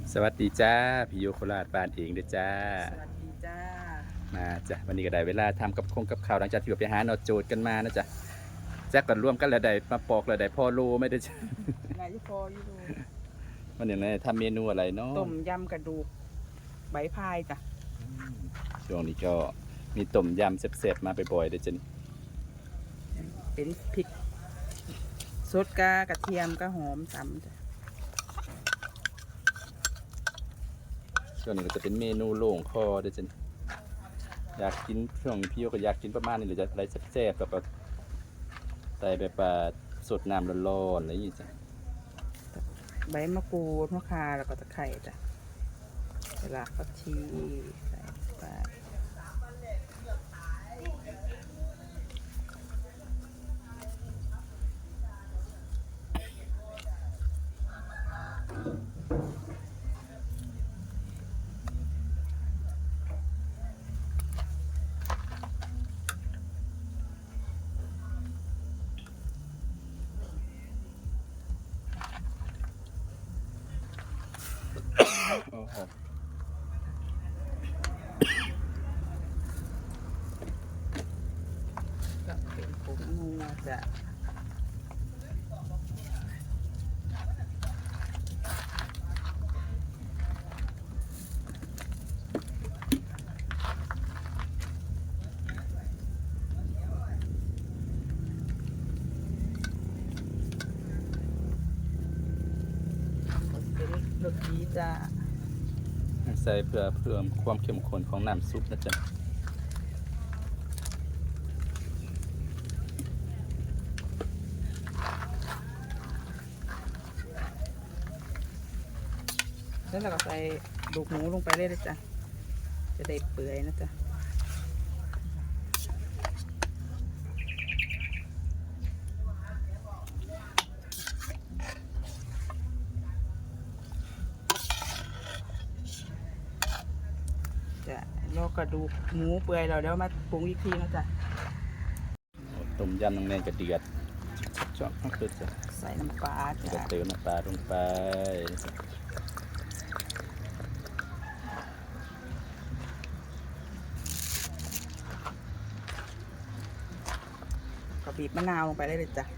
สวัสดีจ้าพี่โยโคราชบ้านเองเด้อจ้าสวัสดีจ้ามาจ้ะวันนี้ก็ได้เวลาทำกับกับข้าวหลังจากที่ไปหาหนอโจทย์กันมานะจ๊ะแจ็คก่อนร่วมกันแล้วได้มาปอกแล้วได้พ่อโลไม่ได้จ้ะนายยุพออยู่ดูวันนี้ทำเมนูอะไรเนาะต้มยำกระดูกใบพายจ้ะช่วงนี้ก็มีต้มยำเสร็จๆมาบ่อยๆเด้อจ้ะนี่เป็นพริกสดกากระเทียมกระหอมตำจ้ะช่วงนี้ก็จะเป็นเมนูโล่งคอเด้อจ้ะนี่อยากกินช่วงนี้พี่โยก็อยากกินประมาณนี้หรือจะอะไรแซ่บๆแบบใส่แบบสดน้ำร้อนๆอะไรอย่างงี้จ้ะใบมะกรูดมะข่าแล้วก็ตะไคร้จ้ะรากผักชีใส่ไปโอ้โหก็เป็นผงนัวจ้ะเป็นรสดีจ้ะใส่เพื่อเพิ่มความเข้มข้นของน้ำซุปนะจ๊ะแล้วเราก็ใส่ลูกหมูลงไปเลยนะจ้ะจะได้เปื่อยนะจ๊ะจะรอกระดูกหมูเปื่อยเราเดี๋ยวมาปรุงอีกทีนะจ๊ะต้มยำน้ำแดงกระเดือดชอบมากเลยจ้ะใส่น้ำปลาแล้วก็จ้ะเติมน้ำปลาลงไปก็บีบมะนาวลงไปได้เลยจ้ะ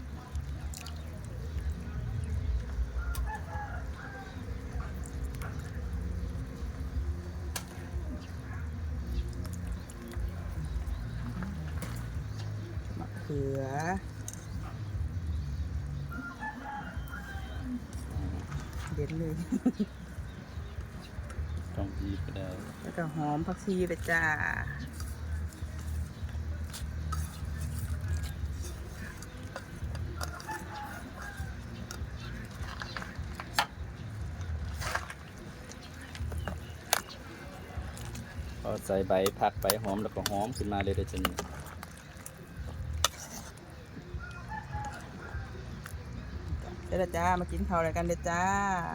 มะเขือเด็ดเลยต้องบีบก็ได้แล้วก็หอมผักชีเลยจ้าพอใส่ใบผักใบหอมแล้วก็หอมขึ้นมาเลยได้จ้ะนี่เดี๋ยวจ้ามากินข้าวอะไรกันเลยจ้า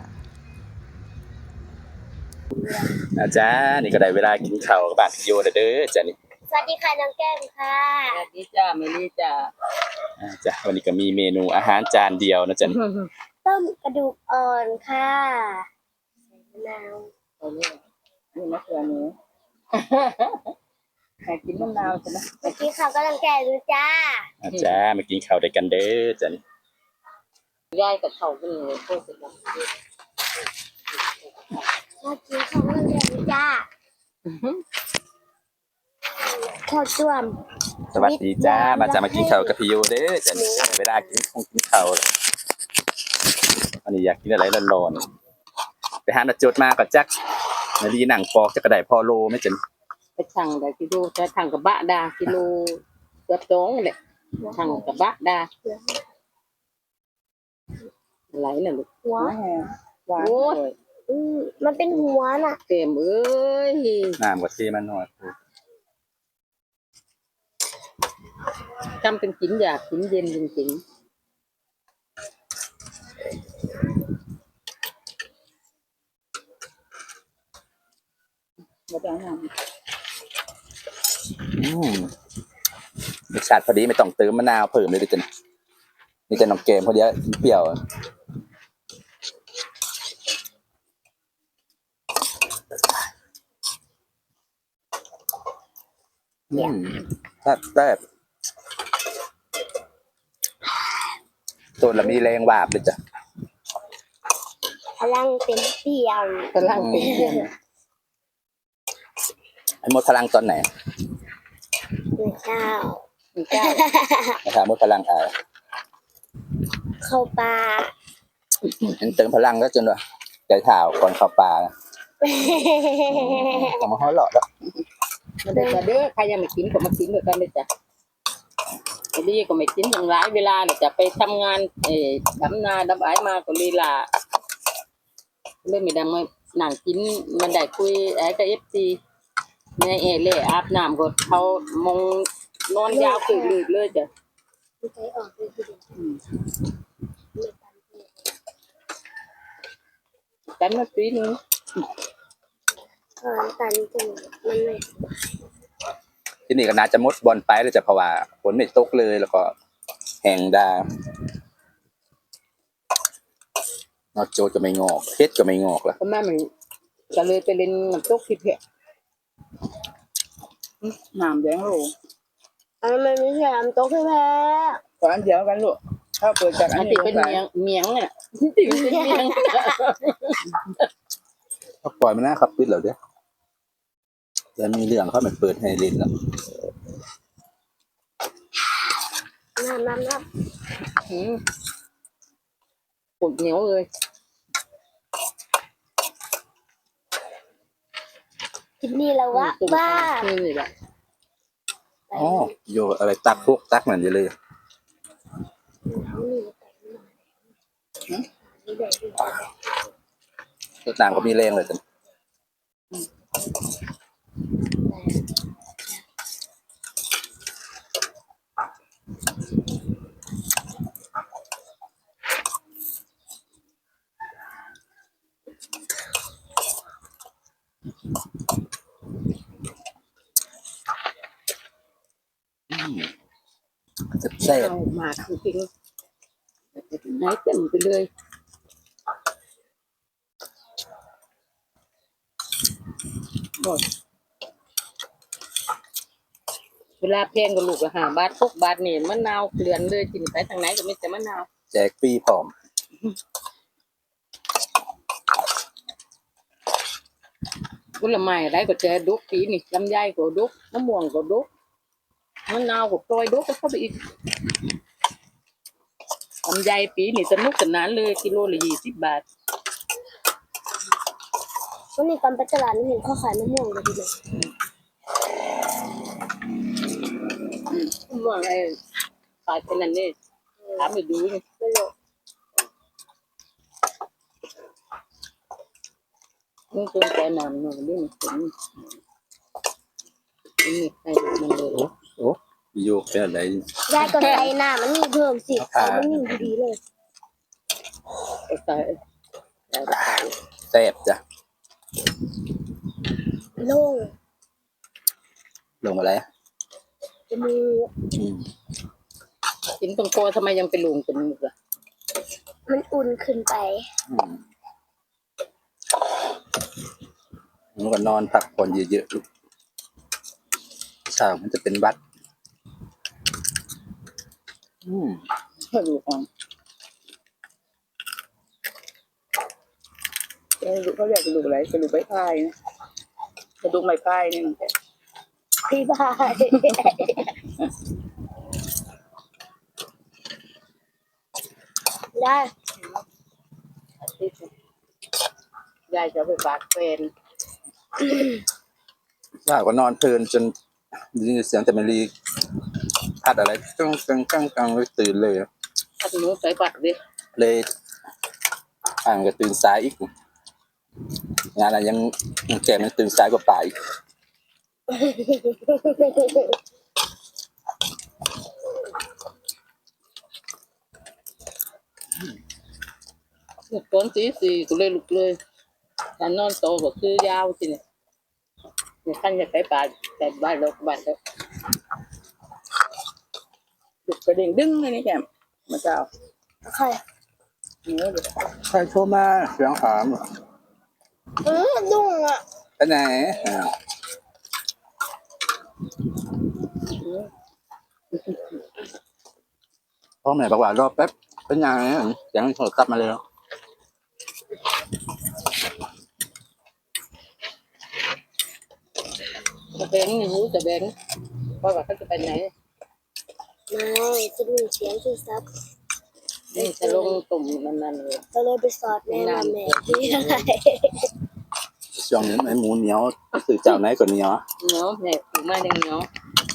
อาจารย์นี่ก็ได้เวลากินข้าวกับบ้านพี่โยแล้วเด้อจ้ะนี่สวัสดีค่ะน้องแก้มค่ะสวัสดีจ้าเมลี่จ้าจ้ะวันนี้ก็มีเมนูอาหารจานเดียวนะจ้ะนี่ต้มกระดูกอ่อนค่ะใส่มะนาวนี่มะเขือหนูใครกินมะนาวใช่ไหมเมื่อกี้เขากำลังแก่ดูจ้าอาจารย์มากินข้าวด้วยกันเด้อจ้ะนี่ยายกับเขาเป็นเลยโคตรสุดยอดเมื่อกี้เขากำลังแก่ดูจ้าข้าวต้มสวัสดีจ้ามาจะมากินข้าวกับพี่โยเด้อจ้ะนี่เวลากินข้าวแล้ววันนี้อยากกินอะไรร้อนๆไปหาหนอโจทย์มาก็จักนาลีหนังปอกจะกระไดพ่อโลไม่จ้ะนี่ไปสั่งได้กิโลจะสั่งกับบะดากิโลเกือบสองเลยสั่งกับบะดาไหลเลยลูกหัวหวานโอ้ยมันเป็นหัวน่ะเต็มเอ้ยน้ำก็เทมันหน่อยจำเป็นกินอยากกินเย็นจริงๆมาจ้าน้ำรสชาติพอดีไม่ต้องเติมมะนาวเพิ่มเลยเด้อจ้ะนี่จะน้องเกมพอดีเปรี้ยวแซ่บตัวละมีแรงวาบเลยจ้ะพลังเต็มเปี่ยมกำลังเป็นเพื่อนไอ้หมดพลังตอนไหนพระเจ้ามีเจ้านะครับหมดพลังเข้าป่าเห็นเติมพลังแล้วจนว่าใจเท้าก่อนเข้าป่าต้องมาห่อหลอดแล้วมาเด้อมาเด้อใครยังไม่กินก็มากินด้วยกันเลยจ้ะไอ้ดีก็ไม่กินอย่างหลายเวลาเนี่ยจะไปทำงานดำนาดำไอ้มาก็ลีลาเริ่มไม่ดังมานั่งกินมันได้คุยไอ้กับFCในเล่อาบน้ำก็เขามองนอนยาวคือลืกเลยจ้ะใจออกเลยทีเดียวแต่เมื่อปีนึงตันจริงมันไม่ที่นี่ก็น่าจะมดบอลไปเลยจ้ะเพราะว่าฝนไม่ตกเลยแล้วก็แห้งได้นอกโจก็ไม่งอกเพชรก็ไม่งอกแล้วเพราะแม่มันก็เลยไปเล่นน้ำตกที่เพะน้ำแดงโลมันไม่ใช่น้ำตกใช่ไหมตอนเดียวกันลูกถ้าเปิดจากอัอันนนี้ที่เป็นเมียงเนี่ยที่เป็นเมียงเขาปล่อยมันนะครับปิดแล้วเด้อแล้วมีเรื่องเขามันเปิดให้เล่นแล้วน้ำปวดเหนียวเลยกินนี่แล้ววะบ้านี่แหละอ๋อโยอะไรตักพวกตักนั่นอยู่เลยตัวต่างก็มีแรงเลยจ้ะแซ่บเอามาคือจริงไหนเต็มไปเลยเวลาเพลงกับลูกละ5 บาท6 บาทนี่มะนาวเกลือนเลยกินไปทางไหนก็ไม่แต่มะนาวแจกฟรีพร้อมผลไม้อะไรก็เจอดุกปีนี่ลำไยก็ดุกมะม่วงก็ดุกมะนาวก็กลอยดุกก็เข้าไปอีกลำไยปีนี่สนุกสนานเลยกิโลละ20 บาทวันนี้ตอนไปตลาดนี่เห็นเขาขายมะม่วงเลยทีเดียวมะม่วงไอ้ขายเป็นนั่นนี่ถามไปดูนี่ไม่รู้มึงตัวแกนอนนู่นนี่นี่ไอ้มันเลยโอ้โยกเป็นอะไรยายก็ใส่น้ำมันนี่เพิ่มสิใส่มันนี่ดีเลยไอ้ตายแซ่บจ้ะโล่งลงอะไรจมูกกินตรงคอทำไมยังไปลุงจมูกล่ะมันอุ่นขึ้นไปแล้วก็นอนพักผ่อนเยอะๆลูกเช้ามันจะเป็นวัดกระดูกอ่อนเขาเรียกกระดูกอะไรกระดูกใบพายนะกระดูกใบพายนี่มันพี่บายได้ยายจะไปฝากแฟนว่าก็นอนเพลินจนได้ยินเสียงแต่มันรีพัดอะไรกังเลยตื่นเลยถ้าหนูใส่บัตรดิเลยอ่างก็ตื่นสายอีกงานอะไรยังแกมันตื่นสายกว่าป่าอีกตอนตี 4ก็เลยลุกเลยการนอนโตก็คือยาวทีเนี่ยขั้นจะไปป่าแต่บ้านเราบ้านเราดุกกระเด้งดึงเลยนี่แกมาเจ้าโอเคใครโทรมาเสียงถามดุ้งอ่ะไปไหนพ่อแม่บอกว่ารอแป๊บเป็นยังไงยังโทรศัพท์มาเลยเนาะจะแบงนี่รู้จะแบงเพราะว่าเขาจะไปไหนไม่จะมีเสียงที่ซับนี่จะลงตุ่มนั่นเลยก็เลยไปสอดแม่มาแม่ที่อะไรช่วงนี้ไอ้หมูเหนียวสื่อเจ้าไหนก็เหนียวเนาะแม่ปลูกมาเด้งเนาะ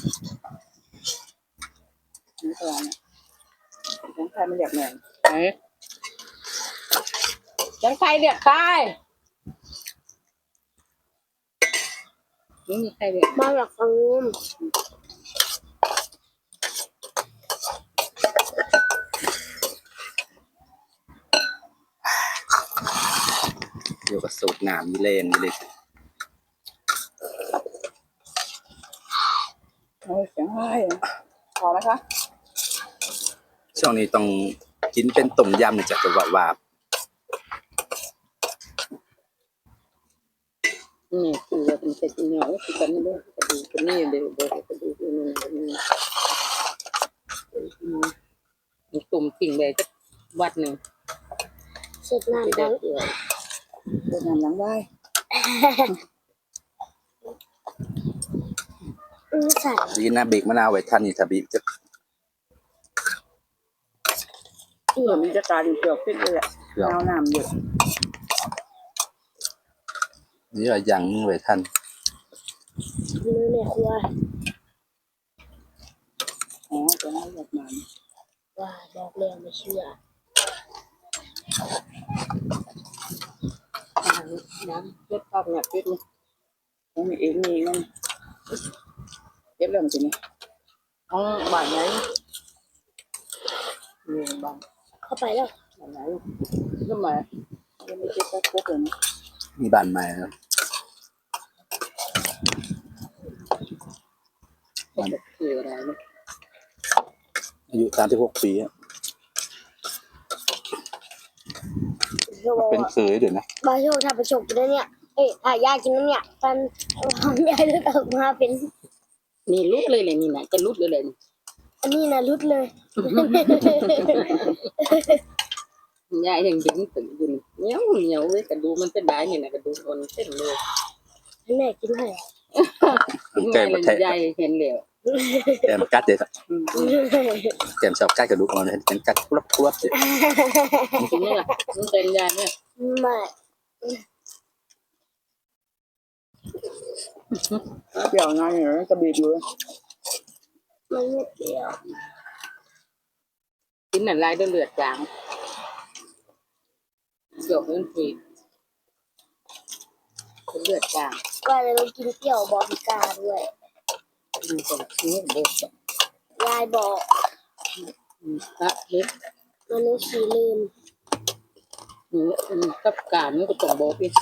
นี่ตัวน่ะยังใครไม่เรียกแม่ยังใครเรียกใครไม่มีใครเรียกบ้านหลักฟังงูมเดี๋ยวก็สูบน้ำมีเลนมีเลยโอ้ยเสียงไห้พอไหมคะช่วงนี้ต้องกินเป็นต้มยำเนี่ยจะกระวาบนี่คือว่าเป็นเศษเหนียวคือกันนี่ด้วยกระดูกนี่เดี๋ยวกระดูกนี่ตุ่มกิ่งเลยจะวัดหนึ่งเสร็จน้ำเด็ดักงเอื่อยเป็นน้ำหลังได้ใส่ดีนะบีบมะนาวไว้ทันนี่ถ้าบีบจะเผื่อมีจะการอยู่เปลือกพิษเลยแหละเดี๋ยวเอาน้ำเยอะนี่เรายังไว้ทันมือแม่ครัวอ๋อจะให้หยดมันว่าบอกเรื่องไม่เชื่อน้ำเล็ดข้าวเนี่ยพิษนี่ต้องมีเองมีนั่นเก็บเรื่องจริงไหมของบ้านไหนมีบ้างเข้าไปแล้วบ้านไหนก็มายังไม่เก็บไปครบเลยนะมีบ้านใหม่แล้วคืออะไรเนี่ยอายุ36 ปีอะเขาบอกเป็นว่าเคยเดี๋ยวนะบาโชคถ้าไปฉกกินแล้วเนี่ยเอ้ยถ้ายากินแล้วเนี่ยฟันของยายเลือดออกมาเป็นนี่รุดเลยเลยนี่นะจะรุดเลยเลยอันนี้นะรุดเลยยายยังยิ้มตื่นอยู่เหนียวเหนียวเลยกระดูมันเป็นได้นี่นะกระดูอ่อนเส้นเลยให้แม่กินให้แกมเลมาย แทะยายเห็นแล้วแกมมากัดเด็ดแกมชอบกัดกระดูกอ่อนเลยเป็นกัดกรุบกรุบเด็ดกินนี่ล่ะมันเป็นยายเนี่ยไม่เปรี้ยวนานอยู่นะกระบีบอยู่มันไม่เปรี้ยวกินหนังลายด้วยเลือดจางเกี่ยวกับฝีเลือดจางว่าจะต้องกินเปรี้ยวบอกพิการด้วยมันเป็นนี่เด็กยายบอกพระเล็กมันนึกขี้ลืมนี่กับการมันก็ต้องบอกอีก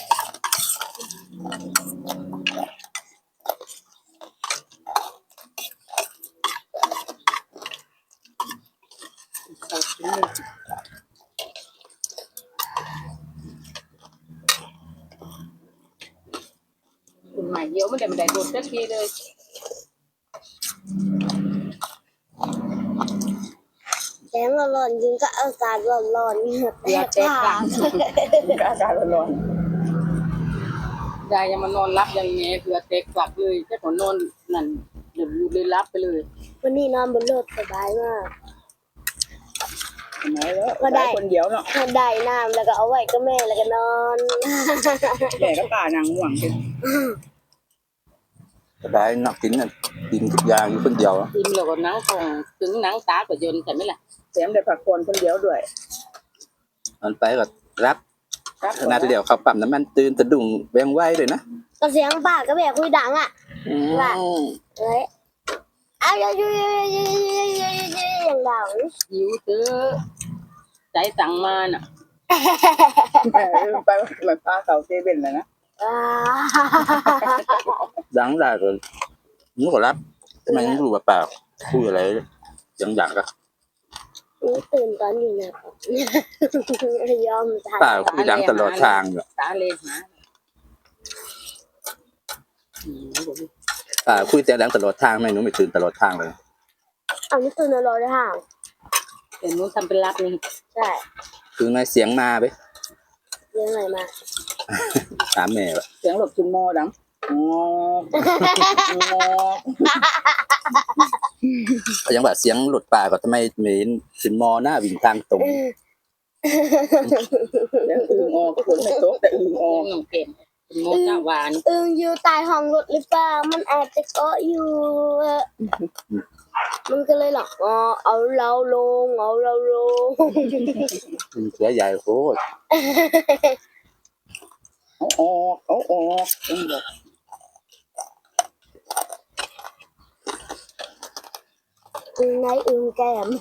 คุณหมายเยอะไม่ได้โดนสักทีเลยแสงร้อนๆยิงก็อากาศร้อนๆเหงื่อแตเลือดกแตกปาหลักงก็อากาศร้อนยายยังมานอนรับยังไงเลือดแตกฝักเลยแค่ขอนอนนั่นเดี๋ยวอยู่เลยรับไปเลยวันนี้นอนบนรถสบายมากๆทำไมแล้วได้คนเดียวเนาะได้น้ำแล้วก็เอาไว้ก็แม่แล้วก็นอนแม่ก็ตานางห่วงกันก็ได้นักกินน่ะกินทุกอย่างอยู่คนเดียวกินแล้วก็หนังของถึงหนังตาก็ยนใช่ไหมล่ะแถมได้ผักคนคนเดียวด้วยมันไปก็รับครับขนาดเดียวเขาปั๊มน้ำมันตื่นสะดุ้งแวงไว้เลยนะก็เสียงป้าก็แม่คุยดังอ่ะ ว่า เอ้ยเอาอย่างดังหิวเถอะใจสั่งมาน่ะไปมันพาเขาเซเว่นเลยนะดังได้ก็นึกว่ารับทำไมยังรู้ว่าเปล่าคุยอะไรยังอยากก็ตื่นตอนอยู่นะครับยอมตายเปล่าคุยดังตลอดทางอยู่ตาเลยหาคุยแต่แรงตลอดทางไม่หนูไม่ตื่นตลอดทางเลยอันนี้คือในรถได้ห่างเดี๋ยวหนูทำเป็นรับนี่ใช่คือไงเสียงมาไปเรื่องอะไรมาถามแม่ว่าเสียงหลบจุนโมดังงอเขายังว่าเสียงหลุดป่าก็ทำไมเหม็นสินมอหน้าวิ่งทางตรงเสียงอึ่งออกฝนไม่ตกแต่อึ่งออกน้องเก่งจุนโมหน้าหวานอยู่ใต้ห้องรถหรือเปล่ามันอาจจะเกาะอยู่มันก็เลยหรอกเอาเราลงเอาเราลงมันเสือใหญ่โคตรเอาออกอึ่งบอกในแก้ม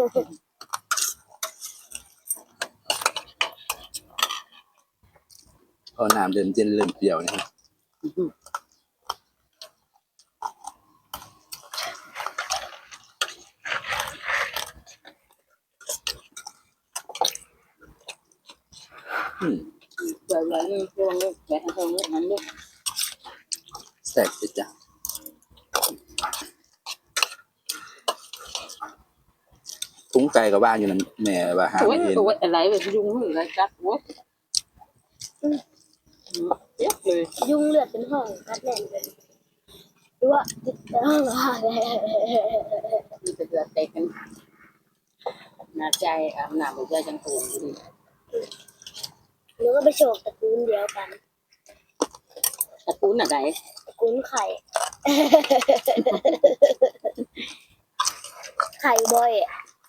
พอน้ำเดินเจนเริ่มเปรี้ยวนะฮะอืมเดี๋ยวเราเรื่องเรื่องแบบให้เขาเรื่องนั้นเรื่องแซ่บสิจ้ะทุ้งไก่กับบ้านอยู่นั่นแม่ว่าหาโอ้ยไม่เห็นโอ้ยอะไรแบบยุงมืออะไรจัดโอ้ยเยอะเลยยุงเลือดเป็นห้องกัดแน่นเลยดูว่าติดห้องอะไรมีแต่เดือดเตะกันน่าใจอาบน้ำหัวใจจังตูนอยู่ดิหรือว่าไปโฉกตระกูลเดียวกันตะปูนอะไรตระกูลไข่ ไข่บ่อยอะ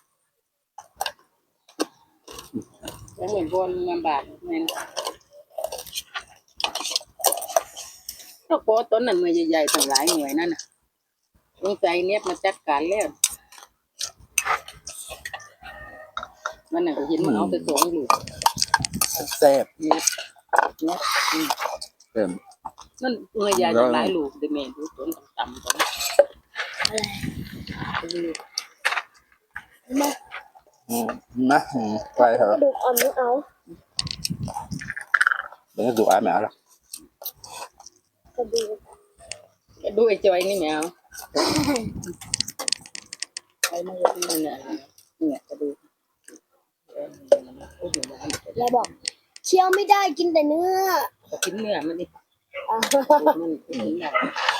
แล้วเหมือนบนมันบาดแม่นก็โพต้นนั้นมือใหญ่ๆทั้งหลายหน่วยนั่นน่ะลงใจเนี้ยมาจัดการแล้วมันน่ะก็เห็นมันเอาไปสวงอยู่แซ่บเนี้ยเนี้ยเริ่มนั่นมือใหญ่ทั้งหลายลูกเดเมนดูต้นต่ำๆต้นอะไรดูมานะไปเถกอะระดูกอ่อนไม่เอาเดี๋ยวดูอาแม่ละกระดูกดูไอ้จอยนี่แมวไอ้มันก็ดูเนี่ยเนี่ยก็ดูแล้วบอกเคี้ยวไม่ได้กินแต่เนื้อก็กินเนื้อมันดิอ่ะมันกินเนื้อ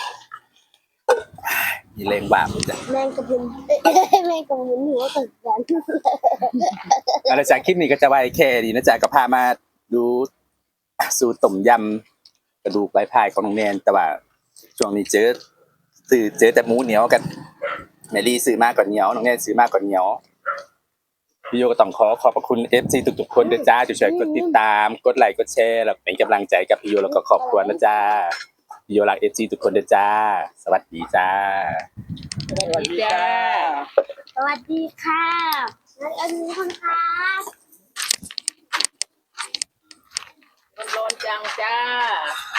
มีแรงบาปเลยจ้ะแมงกะพรุนแมงกะพรุนหัวตึกกันอะไรจากคลิปนี้ก็จะไว้แค่ดีนะจ๊ะก็พามาดูสูตรต้มยำกระดูกปลายพายของน้องแนนแต่ว่าช่วงนี้เจอแต่หมูเหนียวกันแมรี่ซื้อมากกว่าเหนียวน้องแนนซื้อมากกว่าเหนียวพี่โยก็ต้องขอบพระคุณ FC ทุกๆคนด้วยจ้าที่ช่วยกดติดตามกดไลค์กดแชร์แล้วเป็นกำลังใจกับพี่โยแล้วก็ครอบครัวนะจ้าพี่โยรัก FC ทุกคนด้วยจ้าสวัสดีจ้าสวัสดีจ้าสวัสดีค่ะแล้วอันนี้คนค่ะร้อนจังจ้า